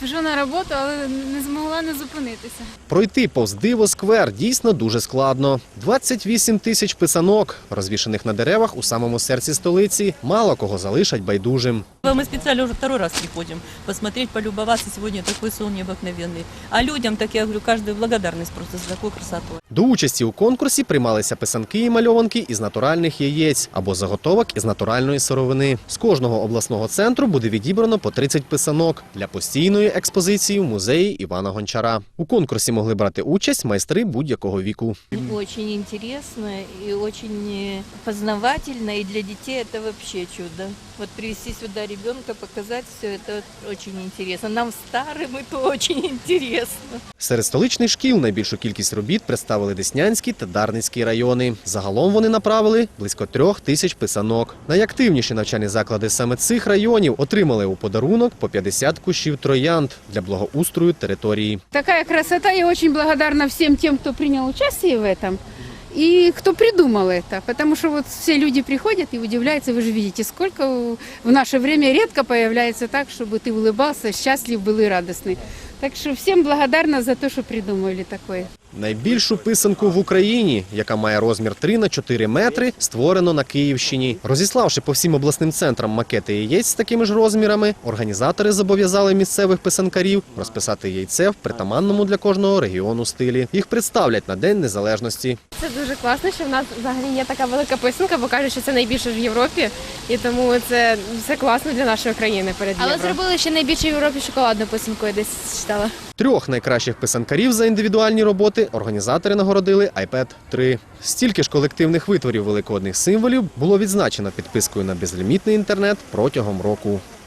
Біжу на роботу, але не змогла не зупинитися. Пройти повз Диво-сквер дійсно дуже складно. 28 тисяч писанок, розвішаних на деревах у самому серці столиці, мало кого залишать байдужим. Мы специально уже второй раз приходим посмотреть, полюбоваться. Сегодня такой сон необыкновенный. А людям, так я говорю, каждую благодарность просто за такую красоту. До участі у конкурсі приймалися писанки і мальованки із натуральних яєць або заготовок із натуральної сировини. З кожного обласного центру буде відібрано по 30 писанок для постійної експозиції в музеї Івана Гончара. У конкурсі могли брати участь майстри будь-якого віку. Очень интересно и очень познавательно, и для детей это вообще чудо. Вот привести сюда ребенка, показать все это очень интересно. Нам старым это очень интересно. Серед столичних шкіл найбільшу кількість робіт представили Деснянський та Дарницький райони. Загалом вони направили близько 3 тисяч писанок. Найактивніші навчальні заклади саме цих районів отримали у подарунок по 50 кущів троянд для благоустрою території. Такая красота, я очень благодарна всем тем, кто принял участие в этом и кто придумал это. Потому что вот все люди приходят и удивляются, вы же видите, сколько в наше время редко появляется так, чтобы ты улыбался, счастлив был и радостный. Так что всем благодарна за то, что придумали такое. Найбільшу писанку в Україні, яка має розмір 3 на 4 метри, створено на Київщині. Розіславши по всім обласним центрам макети яєць з такими ж розмірами, організатори зобов'язали місцевих писанкарів розписати яйце в притаманному для кожного регіону стилі. Їх представлять на День Незалежності. Це дуже класно, що в нас взагалі є така велика писанка, бо кажуть, що це найбільше в Європі, і тому це класно для нашої країни перед Євро. Але зробили ще найбільше в Європі шоколадну писанку, я десь читала. 3 найкращих писанкарів за індивідуальні роботи організатори нагородили iPad 3. Стільки ж колективних витворів великодних символів було відзначено підпискою на безлімітний інтернет протягом року.